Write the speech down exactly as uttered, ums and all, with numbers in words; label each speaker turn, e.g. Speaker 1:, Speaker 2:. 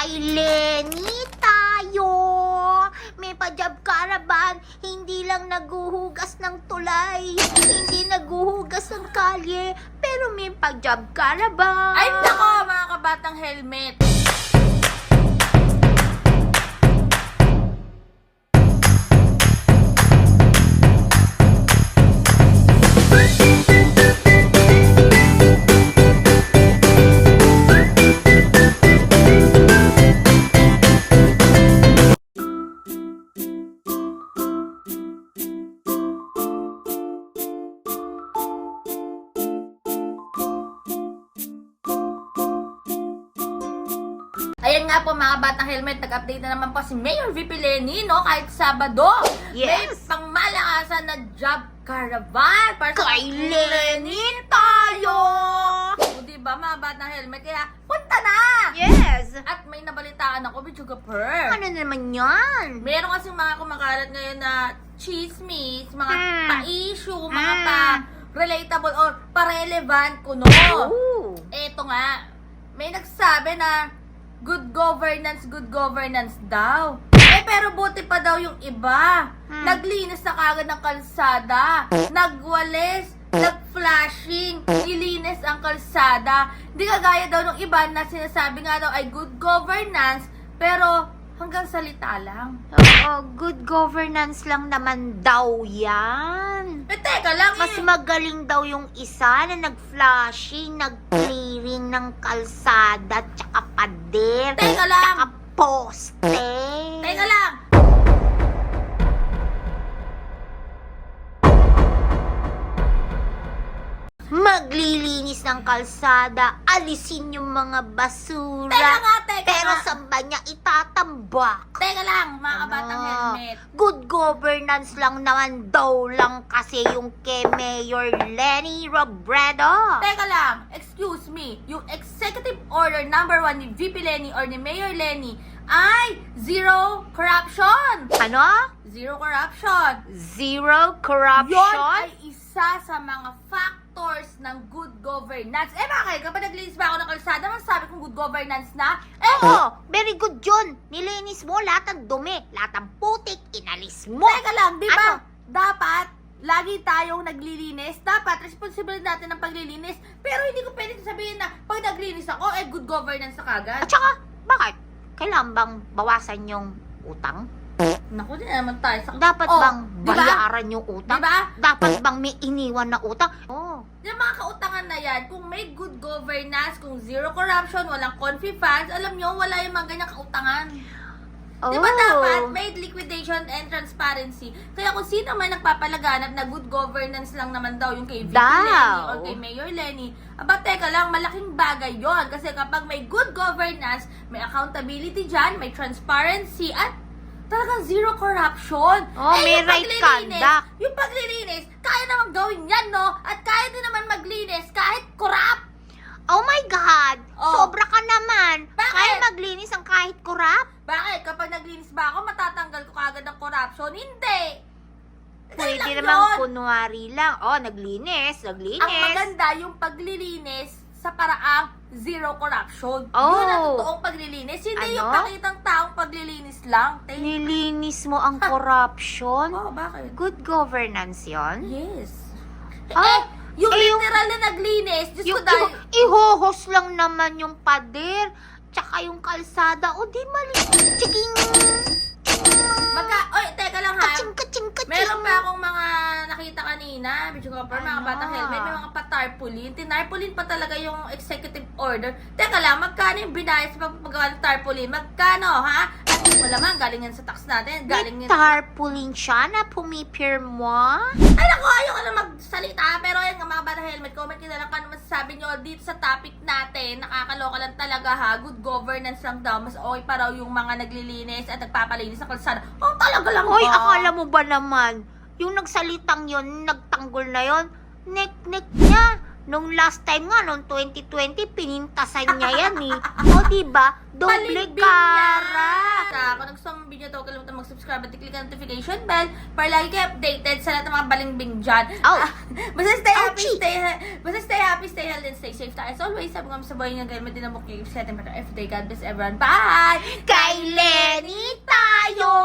Speaker 1: Kay Lenny tayo. May pa-job caravan, hindi lang naguhugas ng tulay, hindi naguhugas ng kalye, pero may pa-job caravan.
Speaker 2: Ay, nako, mga kabatang helmet. Ayan nga po mga batang helmet, nag-update na naman po si Mayor V P Leni, no? Kahit Sabado,
Speaker 1: Yes.
Speaker 2: may pangmalakasan na job caravan para sa
Speaker 1: Kay Lenny tayo.
Speaker 2: O diba mga batang helmet, kaya punta na!
Speaker 1: Yes.
Speaker 2: At may nabalitaan ako, Bichuga Per.
Speaker 1: Ano naman yan?
Speaker 2: Meron kasing mga kumakalat ngayon na chismis, mga
Speaker 1: Hmm.
Speaker 2: pa-issue, mga
Speaker 1: Hmm.
Speaker 2: pa-relatable or pa-relevant kuno.
Speaker 1: Ooh.
Speaker 2: Eto nga, may nagsabi na good governance, good governance daw. Eh, pero buti pa daw yung iba.
Speaker 1: Hmm.
Speaker 2: Naglinis na kagad ng kalsada. Nagwalis, nag-flashing, nilinis ang kalsada. Hindi kagaya daw ng iba na sinasabi nga daw ay good governance, pero hanggang salita lang.
Speaker 1: Oo, good governance lang naman daw yan.
Speaker 2: Eh, teka lang
Speaker 1: Mas
Speaker 2: eh.
Speaker 1: magaling daw yung isa na nag-flashing, nag-clearing ng kalsada, tsaka pader,
Speaker 2: Teka lang.
Speaker 1: tsaka poste.
Speaker 2: Teka lang.
Speaker 1: Maglilinis ng kalsada, alisin yung mga basura.
Speaker 2: Teka nga, teka
Speaker 1: Pero
Speaker 2: nga.
Speaker 1: saan ba niya itatambak?
Speaker 2: Teka lang, mga kabatang
Speaker 1: Ano?
Speaker 2: helmet.
Speaker 1: Good governance lang naman daw lang kasi yung kay Mayor Lenny Robredo.
Speaker 2: Teka lang, excuse me, yung executive order number one ni V P Leni or ni Mayor Leni ay zero corruption.
Speaker 1: Ano?
Speaker 2: Zero corruption.
Speaker 1: Zero
Speaker 2: Yon
Speaker 1: corruption?
Speaker 2: ay isa sa mga factors ng good governance. Eh bakit? Kapag naglinis ba ako ng kalsada, masasabi kong good governance na? Eh,
Speaker 1: Oo, very good yun. Nilinis mo lahat ng dumi, lahat ng putik, inalis mo.
Speaker 2: teka lang, di ba?
Speaker 1: Ano?
Speaker 2: Dapat, lagi tayong naglilinis. Dapat, responsibility natin ng paglilinis. Pero hindi ko pwede sabihin na pag naglinis ako, eh good governance na kagad.
Speaker 1: At saka, bakit? Kailangan bang bawasan yung utang?
Speaker 2: Naku, di naman tayo sa...
Speaker 1: Dapat
Speaker 2: Oh,
Speaker 1: bang
Speaker 2: di ba?
Speaker 1: bayaran yung utang?
Speaker 2: Diba?
Speaker 1: Dapat bang may iniwan na utang? Oh.
Speaker 2: Yung mga kautangan na yan, kung may good governance, kung zero corruption, walang confi funds, alam nyo, wala yung mga ganyang kautangan.
Speaker 1: Oh.
Speaker 2: Di ba dapat may liquidation and transparency? Kaya kung sino man nagpapalaganap na good governance lang naman daw yung kay V P
Speaker 1: Daw.
Speaker 2: Leni or kay Mayor Leni, aba teka lang, malaking bagay yon. Kasi kapag may good governance, may accountability dyan, may transparency, at talagang zero corruption.
Speaker 1: Oh, may
Speaker 2: yung
Speaker 1: right
Speaker 2: paglilinis-
Speaker 1: conduct.
Speaker 2: Yung paglilinis, kaya naman gawin yan, no? At kaya din naman maglinis kahit corrupt.
Speaker 1: Oh my God!
Speaker 2: Oh.
Speaker 1: Sobra ka naman!
Speaker 2: Bakit?
Speaker 1: Kaya maglinis ang kahit kurap?
Speaker 2: Bakit? Kapag naglinis ba ako, matatanggal ko kagad ang corruption? Hindi! Ganun
Speaker 1: Pwede
Speaker 2: lang
Speaker 1: naman
Speaker 2: yun.
Speaker 1: kunwari lang. Oh, naglinis, naglinis.
Speaker 2: Ang maganda yung paglilinis sa paraang zero corruption.
Speaker 1: Oh.
Speaker 2: Yun ang totoong paglilinis. Hindi
Speaker 1: Ano?
Speaker 2: yung pakitang taong paglilinis lang. Te.
Speaker 1: Nilinis mo ang corruption?
Speaker 2: Oh, bakit?
Speaker 1: Good governance yon?
Speaker 2: Yes.
Speaker 1: Ah,
Speaker 2: eh, yung
Speaker 1: eh, yung-
Speaker 2: literal na naglinis, Diyos
Speaker 1: Yung
Speaker 2: ko dahil...
Speaker 1: iho- ihohos lang naman yung pader, tsaka yung kalsada. O di mali. Chiking!
Speaker 2: Magka... Oy, teka lang ha.
Speaker 1: Kaching, kaching, kaching.
Speaker 2: Meron pa akong mga nakita kanina, Bicho Copper, mga
Speaker 1: Ano?
Speaker 2: batang helmet, may mga pa-tarpaulin. Tinarpaulin pa talaga yung executive order. Teka lang, magkano yung binayas sa pagpagawa ng tarpaulin? Magkano, ha? At malamang, galing yan sa tax natin. Galing
Speaker 1: May
Speaker 2: yan...
Speaker 1: tarpaulin siya na pumipirma.
Speaker 2: Ay, naku, ayoko na magsalita. Pero ayan nga, mga batang helmet, comment nyo na lang kung ano masasabi nyo dito sa topic natin. Nakakaloka lang talaga, ha? Good governance lang daw. Mas okay pa raw yung mga naglilinis at nagpapalinis ng kalsada. Oh, talaga lang
Speaker 1: Hoy,
Speaker 2: ba?
Speaker 1: akala mo ba naman, yung nagsalitang yon, nagtanggol na yon, nek-nek niya, Nung last time nga, nung twenty twenty, pinintasan niya yan eh. O diba? Doble
Speaker 2: Balimbing
Speaker 1: kara.
Speaker 2: yan! Kung nagustuhan mo ang video to, huwag kalimutan mag-subscribe at i-click ang notification bell para lagi kayo updated sa lahat ng mga balingbing dyan.
Speaker 1: Ow.
Speaker 2: Ah, basta stay happy,
Speaker 1: Ouchie.
Speaker 2: stay basta stay happy, stay healthy, and stay safe tayo. As always, sabi ko nga sa buhay nga, ganyan mo din ang mukha. Set and better every day. God bless everyone. Bye!
Speaker 1: Kay Lenny tayo!